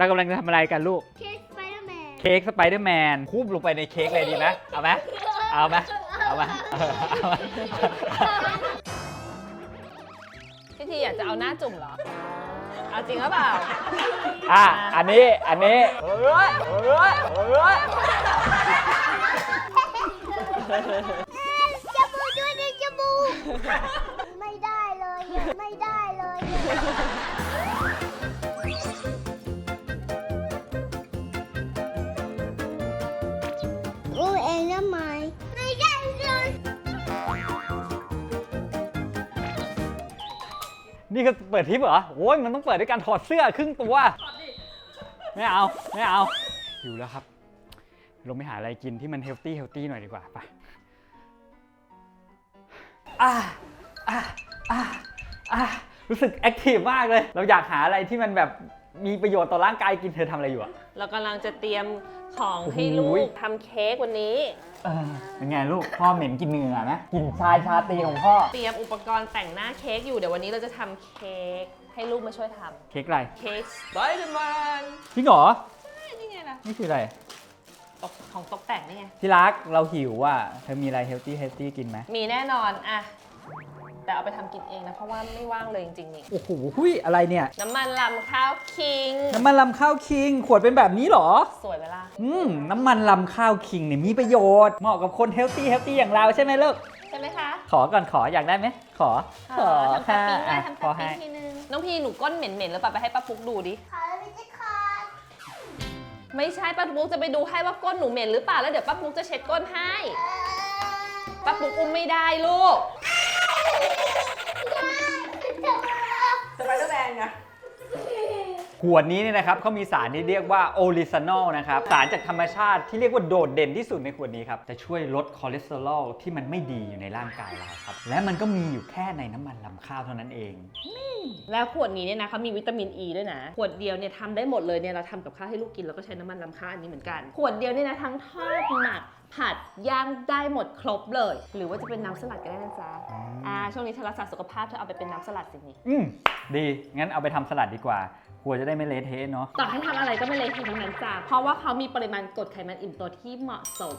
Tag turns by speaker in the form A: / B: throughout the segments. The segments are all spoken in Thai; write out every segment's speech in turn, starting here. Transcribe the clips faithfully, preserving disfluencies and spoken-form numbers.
A: เรากำลังจะทำอะไรกันลูก
B: เค้กสไปเดอร์แมน
A: เค้กสไปเดอร์แมนคูบลงไปในเค้กเลยดีไหมเอาไหมเอาไหมเอาไหมเอาไหม
C: พี่ทีอยากจะเอาหน้าจุ่มเหรอเอาจริงหรือเปล่า
A: อ่ะอันนี้อันนี้เฮ้ยเฮ้ยเฮ้ย
B: จมูกด้วยดิจมูกไม่ได้เลยไม่ได้เลยรู้เองนะไหมไม่ได้เลย
A: นี่ก็เปิดทิปเหรอโอ้ยมันต้องเปิดด้วยการถอดเสื้อครึ่งตัวไม่เอาไม่เอาหิวแล้วครับลงไปหาอะไรกินที่มันเฮลตี้เฮลตี้หน่อยดีกว่าไปอ่าอ่าอ่าอ่ารู้สึกแอคทีฟมากเลยเราอยากหาอะไรที่มันแบบมีประโยชน์ต่อร่างกายกินเธอทำอะไรอยู่อะ
C: เรากำลังจะเตรียมของให้ลูกทำเค้กวันนี้
A: เออเป็นไงลูกพ่อเหม็นกินเนื้อไหมกินชายชาตรีของพ่อ
C: เตรียมอุปกรณ์แต่งหน้าเค้กอยู่เดี๋ยววันนี้เราจะทำเค้กให้ลูกมาช่วยทำ
A: เค้กอะไร
C: เค้กสไปเดอร์แมน
A: จริงเหรอ
C: ใช่นี่ไงล่ะ
A: นี่คืออะไร
C: ตกของตกแต่งนี่ไง
A: ที่รักเราหิวอ่ะเธอมีอะไรเฮลตี้เฮลตี้กินไหม
C: มีแน่นอนอะแต่เอาไปทำกินเองนะเพราะว่าไม่ว่างเลยจริงๆนี่
A: โอ้โหหุยอะไรเนี่ย
C: น้ำมันลำข้าวคิง
A: น้ำมันลำข้าวคิงขวดเป็นแบบนี้เหรอ
C: สวยไหมล่ะ
A: อืมน้ำมันลำข้าวคิงเนี่ยมีประโยชน์เหมาะกับคนเฮลตี้เฮลตี้อย่างเราใช่ไหมลูก
C: ใช่ไหมคะ
A: ขอก่อนขออยากได้ไหมขอ
C: ขอทำค่ะได้ทำค่ะทีนึงน้องพี่หนูก้นเหม็นๆแล้วป่ะไปให้ป้าปุ๊กดูดิ
B: ขอไม่ใช่คอ
C: ไม่ใช่ป้าปุ๊กจะไปดูให้ว่าก้นหนูเหม็นหรือเปล่าแล้วเดี๋ยวป้าปุ๊กจะเช็ดก้นให้ป้าปุ๊กอุ้มไม่ได้ลูก
B: สไปเดอร์แมนไง
A: ขวดนี้เนี่ยนะครับเขามีสารที่เรียกว่าโอลิซานอลนะครับสารจากธรรมชาติที่เรียกว่าโดดเด่นที่สุดในขวดนี้ครับจะช่วยลดคอเลสเตอรอลที่มันไม่ดีอยู่ในร่างกายเราครับและมันก็มีอยู่แค่ในน้ำมันลำข้าวเท่านั้นเอง
C: แล้วขวดนี้เนี่ยนะเขามีวิตามินอ e ีด้วยนะขวดเดียวเนี่ยทำได้หมดเลยเนี่ยเราทำกับข้าวให้ลูกกินแล้วก็ใช้น้ำมันลำข้าวอันนี้เหมือนกันขวดเดียวเนี่ยนะทั้งทอดหมักผัดย่างได้หมดครบเลยหรือว่าจะเป็นน้ำสลัดก็ได้นะจ๊ะอ่าช่วงนี้เธอรักษาสุขภาพเธอเอาไปเป็นน้ำสลัดสินี่
A: อืมดีงั้นเอาไปทำสลัดดีกว่าครัวจะได้ไม่เละเทะเนาะ
C: ต่อให้ทำอะไรก็ไม่เละเทะทั้งนั้นจ้ะเพราะว่าเขามีปริมาณกรดไขมันอิ่มตัวที่เหมาะสม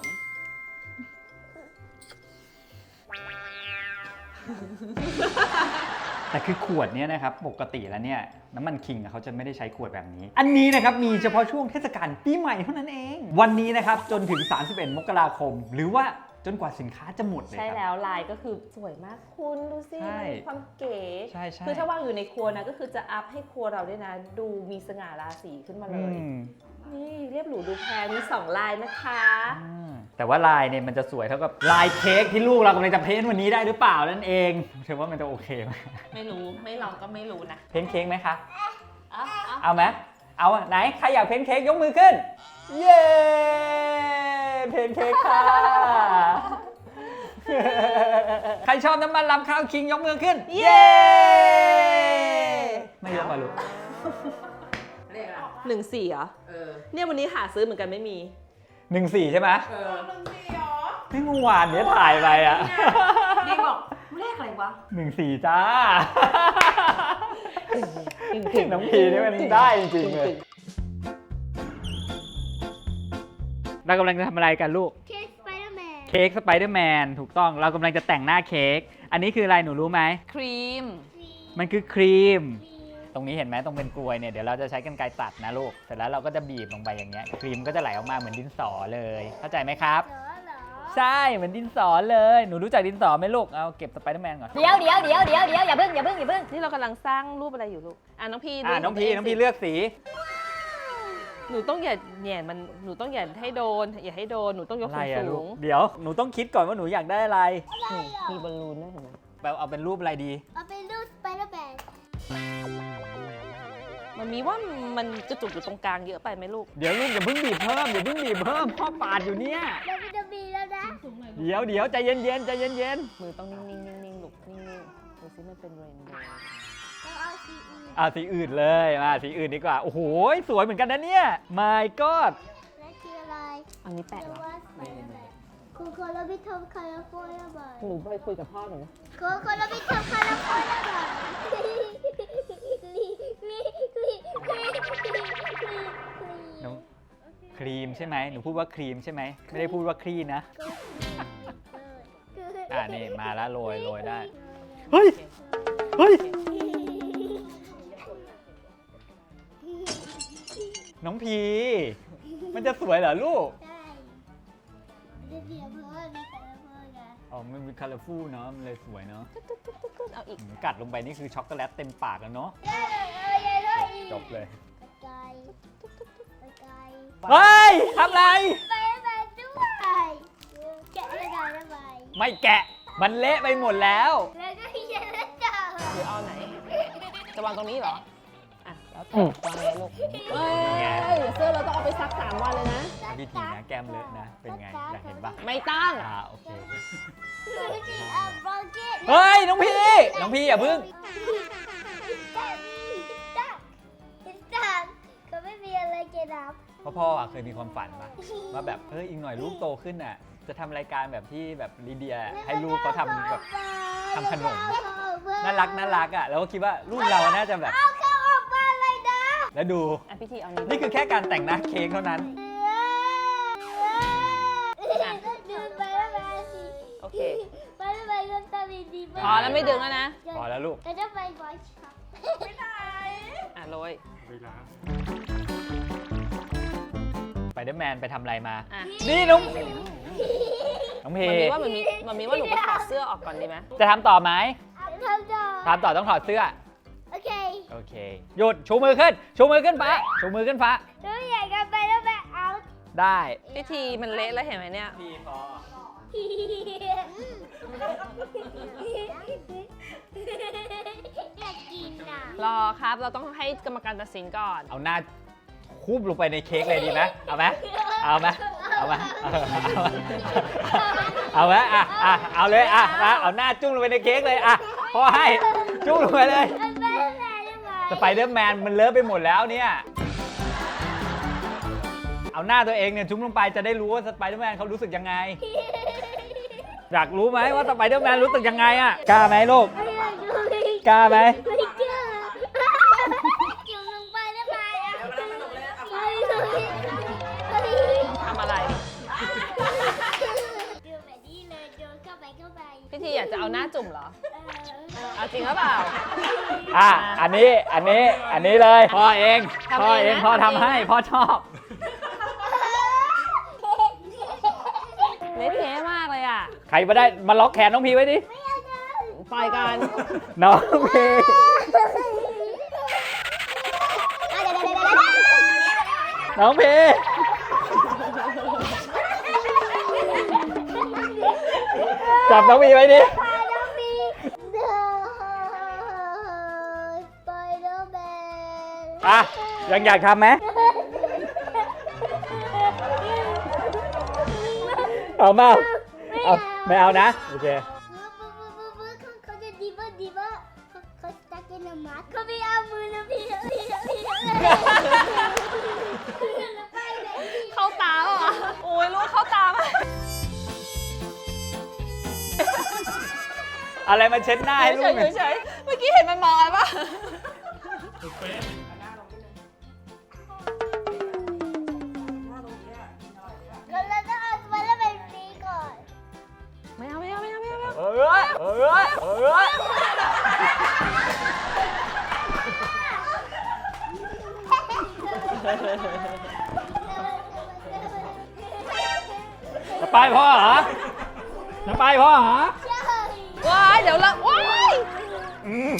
A: แต่คือขวดนี้นะครับปกติแล้วเนี่ยน้ำมันคิงเขาจะไม่ได้ใช้ขวดแบบนี้อันนี้นะครับมีเฉพาะช่วงเทศกาลปีใหม่เท่านั้นเองวันนี้นะครับจนถึงสามสิบเอ็ดมกราคมหรือว่าจนกว่าสินค้าจะหมดเลยครับ
C: ใช่แล้วลายก็คือสวยมากคุณดูสิมีความเก๋
A: ใช่ใช่
C: คือถ้าวางอยู่ในครัวนะก็คือจะอัพให้ครัวเราด้วยนะดูมีสง่าราศีขึ้นมาเลยนี่เรียบหรูดูแพงมีสองลายนะคะ
A: แต่ว่าลายเนี่ยมันจะสวยเท่ากับลายเค้กที่ลูกเรากำลังจะเพ้นวันนี้ได้หรือเปล่านั่นเองเชื่อว่ามันจะโอเคไหม
C: ไม่รู้ไม่ลองก็ไม่รู้นะ
A: เพ้นเค้กไหมคะ
C: เอา
A: เอาไหมเอาไหนใครอยากเพ้นเค้กยกมือขึ้นเย้เพ้นเค้กค่ะใครชอบน้ำมันลำข้าวคิงยกมือขึ้นเย้ไม่ยกมาลูก
C: หนึ่งสี่เหรอเนี่ยวันนี้หาซื้อเหมือนกันไม่มี
A: หนึ่งสี่ใช่ไหม
C: เออหนึ่งสี่เหรอ
A: ไม่เมื่อวานเนี้ยถ่ายไปอ่ะ
C: ดีบอกเลขอะไรวะ
A: หนึ่งสี่จ้าน้องพีนี่มันได้จริงๆเลยเรากำลังจะทำอะไรกันลูก
B: เค้กสไปเดอร์แมน
A: เค้กสไปเดอร์แมนถูกต้องเรากำลังจะแต่งหน้าเค้กอันนี้คืออะไรหนูรู้ไหม
C: ครีม
A: มันคือครีมตรงนี้เห็นไหมตรงเป็นกลวยเนี่ยเดี๋ยวเราจะใช้กรรไกรตัดนะลูกเสร็จแล้วเราก็จะบีบลงไปอย่างเงี้ยครีมก็จะไหลออกมาเหมือนดินสอเลยเข้าใจไหมครับใช่เหมือนดินสอเลยหนูรู้จักดินสอไหมลูกเอาเก็บสไปเดอร์แมนก่อน
C: เดี๋ยวเดี๋ยวเดี๋ยวเดี๋ยวเดี๋ยวอย่าเพิ่งอย่าเพิ่งอย่าเพิ่งนี่เรากำลังสร้างรูปอะไรอยู่ลูกอ่ะน้องพี่
A: อ่ะน้องพี่น้องพี่เลือกสี
C: หนูต้องอย่าแหย่มันหนูต้องอย่าให้โดนอย่าให้โดนหนูต้องยกสูง
A: เดี๋ยวหนูต้องคิดก่อนว่าหนูอยากได้อะไร
C: มีบอลลูนด้วยเห็นไหม
A: แบบเอาเป็นรูปอะไรดี
B: เอาเป็นรูปสไปเดอร์แมน
C: มันมีว่ามันจะจุกอยู่ตรงกลางเยอะไปไหมลูก
A: เดี๋ยวลูกอย่าเพิ่งบีบเพิ่มอย่าเพิ่งบีบเพิ่มพ่อปาดอยู่เนี่ย
B: เดี๋ยวจะบีบแล้วนะ
A: เดี๋ยวเดี๋ยวใจเย็นเย็นใจเย็นเย็น
C: มือต้องนิ่งนิ่งนิ่งนิ่งลูกนิ่งนิ่งดูซิมันเป็นเรนโบว์
B: เอาสีอื่น
A: อ่ะสีอื่นเลยมาสีอื่นดีกว่าโอ้โหสวยเหมือนกันนะเนี่ย my god
B: นั่นคืออะไร
C: อันนี้แปะเหรอ
B: คุณคนเราไปทำคาราโฟลาบาย
C: หนูไปคุยกับพ่อหนู
B: คุณคนเราไปทำคาราโฟลาบาย
A: รีมใช่ไหมหนูพูดว่าครีมใช่ไหมไม่ได้พูดว่าครีนะอ่านี่มาแล้วโรยโรยได้เฮ้ยเฮ้ยน้องพีมันจะสวยเหรอลูก
B: ใช่เดี๋ยวเดี๋ยวเพราะว่ามีแต่ละคนไง
A: อ๋อมันมีคัลเลอร์ฟูลเนาะมันเลยสวยเนาะ
C: เอาอีก
A: อืมกัดลงไปนี่คือช็อกโกแลตเต็มปากแล้วเนาะ
B: ได้เลยเออยัยเลยอีก
A: จบเลย
B: ไกลไกล
A: เฮ้ยทำอะไร
B: ไปไปด้วยแกะไม่ได้แล้วไป
A: ไม่แกะมันเละไปหมดแล้ว
B: แล้วก็ยัยแล้วจ้า
C: หรือเอาไหน จะวางตรงนี้เหรอ อ่ะ แล้วแต่วางเลยลูกเฮ้ยเสื้อเราต้องเอาไปซักสามวันเลยนะ
A: วิธีนะแก้มเลอะนะเป็นไงอยากเห็นปะ
C: ไม่ตั้ง
A: อ่าโอเค
B: วิธีเอาบล็อกเก็ต
A: เฮ้ยน้องพี่น้องพี่อย่าพึ่ง
B: จักจักเขาไม่มีอะไรเกี่ยวกับ
A: พ่อพ่ออะเคยมีความฝันปะว่าแบบเฮ้ยอีกหน่อยลูกโตขึ้นอ่ะจะทำรายการแบบที่แบบลีเดียให้ลูกเขาทำแบบ ทำขนม น่ารักน่ารักอ่ะแล้วก็คิดว่าลูกเราน่าจะแบบ
B: เอาเขาออกมาเลยนะ
A: แล้วดู
C: อ่ะพิธีเอานี้
A: นี่คือแค่การแต่งหน้าเค้กเท่านั้น
B: ดึงไปแล้วมาสิ
C: โอเค
B: ไปแล้วไปก็ทำดีๆ
C: พอแล้วไม่ดึงแล้วนะ
A: พอแล้วลูก
B: เราจะไปบอยช็อปไม่ได้
C: อ่ะโรย
A: ไปเดอร์แมนไปทำอะไรมา
C: อ่ะ
A: นี่น้องน้องเพ
C: มันมีว่ามันมีมันมีว่าหนูไปถอดเสื้อออกก่อนดีไหม
A: จะทำต่อไหม
B: ทำต่อ
A: ทำต่อต้องถอดเสื้อ
B: โอเค
A: โอเค หยุด ชูมือขึ้น ชูมือขึ้นฟ้า ชูมือขึ้นฟ้า
B: หนูอยากจะไปแล้วไปเอา
A: ได้
C: พิธีมันเละแล้วเห็นไหมเนี่ย
A: พี่พอ
B: อยากกินอ่ะ
C: รอครับ เราต้องให้กรรมการตัดสินก่อน
A: เอาหน้าคูบลงไปในเค้กเลยดีไหมเอาไหมเอาไหมเอาไหมเอาไหมอ่ะอ่ะเอาเลยอ่ะมาเอาหน้าจุ้งลงไปในเค้กเลยอ่ะพ่อให้จุ้งลงไปเลย
B: มันไปแล้วแม่ได้ไหม
A: สไปเดอร์แมนมันเลอะไปหมดแล้วเนี่ย เอาหน้าตัวเองเนี่ยจุ้มลงไปจะได้รู้ว่าสไปเดอร์แมนเขารู้สึกยังไง อยากรู้ไหมว่าสไปเดอร์แมนรู้สึกยังไงอ่ะ กล้าไหมลูก
B: ไม่อยากดูเลย
A: กล้าไหม
B: ไม่กล้าจุ่มลงไปได้ไหมอ่ะไม่เลย
C: ทำอะไร
B: ดูแบบนี้เลยดูเข้าไปเข้าไป
C: พิธีอยากจะเอาหน้าจุ่มเหรอ
B: เออ
C: เอาจริงหรือเปล่า
A: อ่ะ อันนี้ อันนี้ อันนี้เลย พ่อเอง
C: ทำเองนะ
A: พ่อเอง พ่อทำให้ พ่อชอบ
C: เละเทะมากเลยอ่ะ
A: ใครมาได้มาล็อกแขนน้องพีไว้ดิ
C: ปล่อยกัน
A: น้องพีน้องพีจับน้องพีไว้ดิ
B: ไปแล้วมีเดินไปแล้วแม่
A: อ่ะ ยังอยากทำไหมเอาเปล่าเอาไม่เอานะ โอเค
B: เขาจะดีเบอร์ดีเบอร์เขาเขาจะกินน้ำมันเขาไม่เอามือนะพี่พี่พี่ไปเลย
C: เข้าตาเหรอ โอ้ยลูกเข้าตามา
A: อะไรมาเช็ดหน้าให้ลู
C: เฉ
A: ก
C: ย
A: เนี่ย
C: ๆเฉยๆเมื่อกี้เห็นมันมองอะไรปะ
B: เราจะเอาไปแล้วไปฟีก่อน
C: ไม่เอาไม่เอาไม่เอาไม่เอาไม่เอา
A: เอ้ยเอ้ยเอ้ยจะไปพ่อเหรอจะไปพ่อเหรอ
C: ว้ายเดี๋ยวละว้าย
A: อืม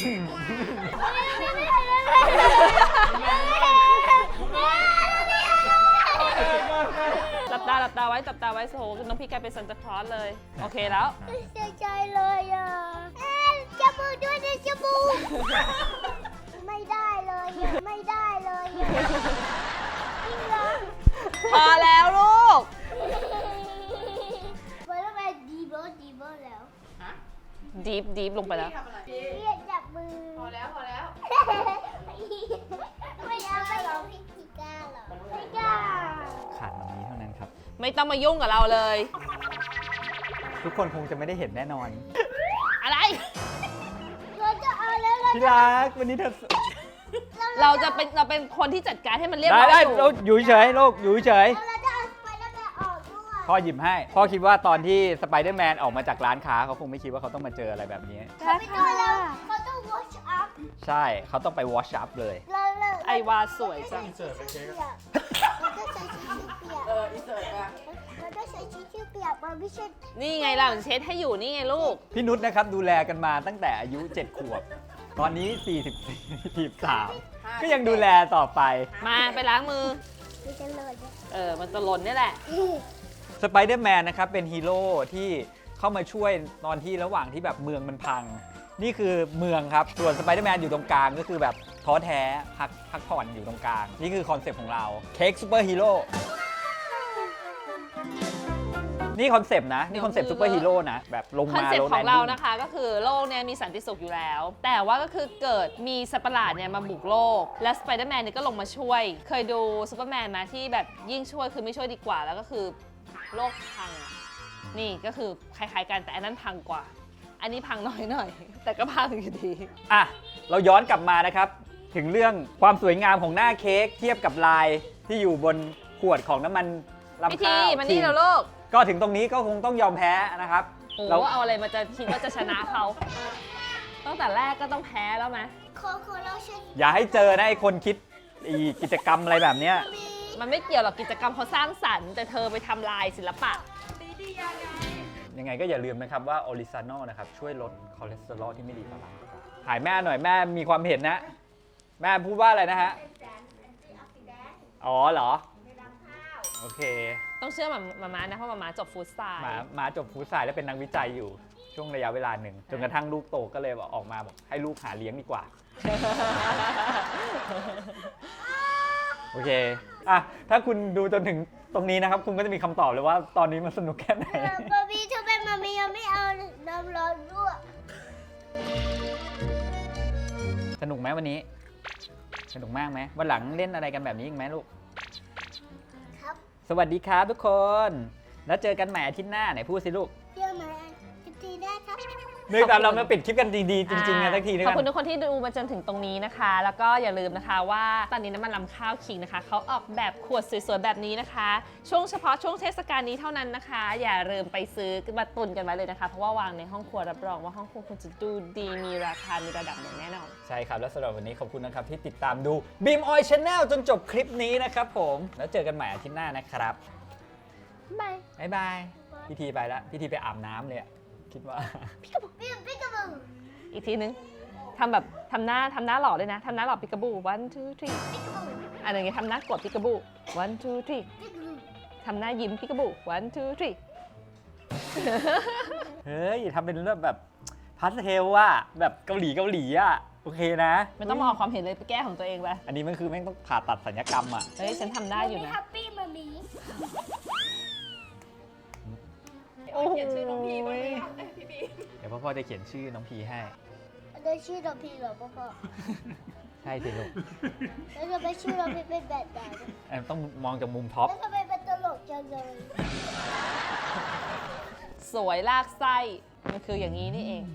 C: หลับตาหลับตาไว้หลับตาไว้โอ้โหน้องพี่กลายเป็นซันตาคลอสเลย โอเคแล้ว
B: เสียใจเลยอ่ะจมูกด้วยนะจมูกไม่ได้เลยไม่ได้เลยจริงเหรอ
C: พอแล้วลูก
B: ไปแล้วไปดีเบอร์ดีเบอร์แล้ว
C: ดีฟดีฟลงไปแล้ว
B: เรียกจับมือพอแล้วพอแล้วไม่เอาไม่เอาพี่จิก้าหรอไม่กล้า
A: ขาดแบบนี้เท่านั้นครับ
C: ไม่ต้องมายุ่งกับเราเลย
A: ทุกคนคงจะไม่ได้เห็นแน่นอน
C: อะไร
B: เราจะเอาแล้วเรา
A: ที่รักวันนี้เธอ
C: เราจะเป็นเราเป็นคนที่จัดการให้มันเรียบ
A: ได้
C: ร้อย
A: ได้
C: อยู่
A: เราอยู่เฉยลูกอยู่เฉย
B: เรา
A: พ่อหยิบให้ พ่อคิดว่าตอนที่สไปเดอร์แมนออกมาจากร้านค้าเขาคงไม่คิดว่าเขาต้องมาเจออะไรแบบนี้
B: เขาไม่ต้องแล้วเขาต้อง wash up
A: ใช่เขาต้องไปวอชอัพเลย
B: เราเรา
C: ไอวาสวยจัง
B: เปียกเราต้องใช้ทิชชู่เปียก
D: เอออินเสิร์ตอะ
B: เราต้องใช้ทิชชู่เปียกมันไม่ใช่
C: นี่ไงเราเช็ดให้อยู่นี่ไงลูก
A: พี่นุชนะครับดูแลกันมาตั้งแต่อายุเจ็ดขวบ ตอนนี้สี่สิบสี่ สี่สิบสามก็ยังดูแลต่อไป
C: มาไปล้างมือ
B: ไม่จะเลยเนี่ย
C: เออ มันจะหล่นนี่แหละ
A: สไปเดอร์แมนนะครับเป็นฮีโร่ที่เข้ามาช่วยตอนที่ระหว่างที่แบบเมืองมันพัง นี่คือเมืองครับ ส่วนสไปเดอร์แมนอยู่ตรงกลางก็คือแบบท้อแท้พักพักผ่อนอยู่ตรงกลาง นี่คือคอนเซปต์ของเราเค้กซูเปอร์ฮีโร่นี่คอนเซปต์นะ นี่คอนเซปต์ซูเปอร์ฮีโร่นะ แบบลง
C: คอน
A: มา
C: เซ็ป
A: โร
C: ต์
A: แล
C: ของ
A: น
C: เรา
A: ดิ้ง
C: นะคะก็คือโลกเนี่ยมีสันติสุขอยู่แล้ว แต่ว่าก็คือเกิดมีสัตว์ประหลาดเนี่ยมาบุกโลก และสไปเดอร์แมนเนี่ยก็ลงมาช่วย เคยดูซูเปอร์แมนมาที่แบบยิ่งช่วยคือไม่ช่วยดีกว่า แล้วก็คือโลกพังอะนี่ก็คือคล้ายๆกันแต่อันนั้นพังกว่า อันนี้พังน้อยหน่อย แต่ก็พังอยู่ดี
A: อ่ะ เราย้อนกลับมานะครับ ถึงเรื่องความสวยงามของหน้าเค้กเทียบกับลายที่อยู่บนขวดของน้ำมัน
C: พี่
A: ลำ
C: ที
A: ข้าว
C: มานี่แล้วลูก
A: ก็ถึงตรงนี้ก็คงต้องยอมแพ้นะครับ
C: โอ้
A: เรา
C: เอาอะไรมาจะคิดว่าจะชนะเขา ตั้งแต่แรกก็ต้องแพ้แล้วไหม
B: โคโค่เราใช้
A: อย่าให้เจอนะไอ้คนคิดอีกิจกรรมอะไรแบบเนี้ย
B: มี
C: มันไม่เกี่ยวหรอกกิจกรรมเขาสร้างสรรค์แต่เธอไปทำลายศิลปะ
A: ยังไงก็อย่าลืมนะครับว่าโอริซานอลนะครับช่วยลดคอเลสเตอรอลที่ไม่ดีต่อร่างกายถ่ายแม่หน่อยแม่มีความเห็นนะ แม่พูดว่าอะไรนะฮะ อ๋อเหรอ โอเค
C: ต้องเชื่อหมามามานะเพราะมามาจบฟู้ดสไตล์
A: หมาหมาจบฟู้ดไซน์แล้วเป็นนักวิจัยอยู่ช่วงระยะเวลาหนึ่งจนกระทั่งลูกโตก็เลยบอกออกมาบอกให้ลูกหาเลี้ยงดีกว่า โอเค อ่ะ ถ้าคุณดูจนถึงตรงนี้นะครับ คุณก็จะมีคำตอบเลยว่าตอนนี้มันสนุกแค่ไหน
B: บาร์บี้ทำไมมามียังไม่เอาน้ำร้อนด้วย
A: สนุกไหมวันนี้ สนุกมากไหมวันหลังเล่นอะไรกันแบบนี้อีกไหมลูก
B: ครับ
A: สวัสดีครับทุกคน แล้วเจอกันใหม่อาทิตย์หน้าไหนพูดสิลูก
B: เดี๋ยวมาจะตีได้ครับ
A: นึกตามเรามาปิดคลิปกันดีๆจริงๆกันสักทีนึง
C: ขอบ
A: กั
C: คุณ
A: น
C: ทุกคนที่ดูมาจนถึงตรงนี้นะคะ แล้วก็อย่าลืมนะคะว่าตอนนี้น้ำมันลำข้าวคิงนะคะเขาออกแบบขวดสวยๆแบบนี้นะคะ ช่วงเฉพาะช่วงเทศกาลนี้เท่านั้นนะคะ อย่าลืมไปซื้อมาตุนกันไว้เลยนะคะ เพราะว่าวางในห้องครัวรับรองว่าห้องครัวคุณจะดูดีมีราคามีระดับอย่างแน่นอน
A: ใช่ครับ แล้วสำหรับวันนี้ขอบคุณนะครับที่ติดตามดู Beam Oil Channel จนจบคลิปนี้นะครับผม แล้วเจอกันใหม่อาทิตย์หน้านะครับ
C: บาย
A: บ๊ายบาย พี่ทีไปแล้ว พี่ทีไปอาบน้ำเลยอะคิดว่า
B: พี่พี่กระบือ
C: อีกทีนึงทำแบบทำหน้าทำหน้าหล่อเลยนะทำหน้าหล่อปิกาบู one two three อันนี้ทำหน้ากดปิกาบู one two three
B: พี่กระบือ
C: ทำหน้ายิ้มปิกาบู one two three
A: เฮ้ยทำเป็นเรื่องแบบพาสเทลอะแบบเกาหลีเกาหลีอะโอเคนะ
C: ไม่ต้องมาออกความเห็นเลยไปแก้ของตัวเองไป
A: อันนี้มันคือแม่งต้องผ่าตัดสัญญกรรมอะ
C: เฮ้ยฉันทำได้อยู่นะ
B: แฮปปี้มามี
C: โอ้โห
A: เดี๋ยวพ่อพ่อจะเขียนชื่อน้องพีให้
B: ได้ชื่อเราพี่เหรอพ่อพ่อ
A: ใช่สิลูก
B: แล้วทำไมชื่อเราพี่เป็นแบบนั้น
A: เอ้ยต้องมองจากมุมท็อป
B: แล้วทำไมเป็นตลกจังเลย
C: สวยลากไส้ มันคืออย่างนี้นี่เอง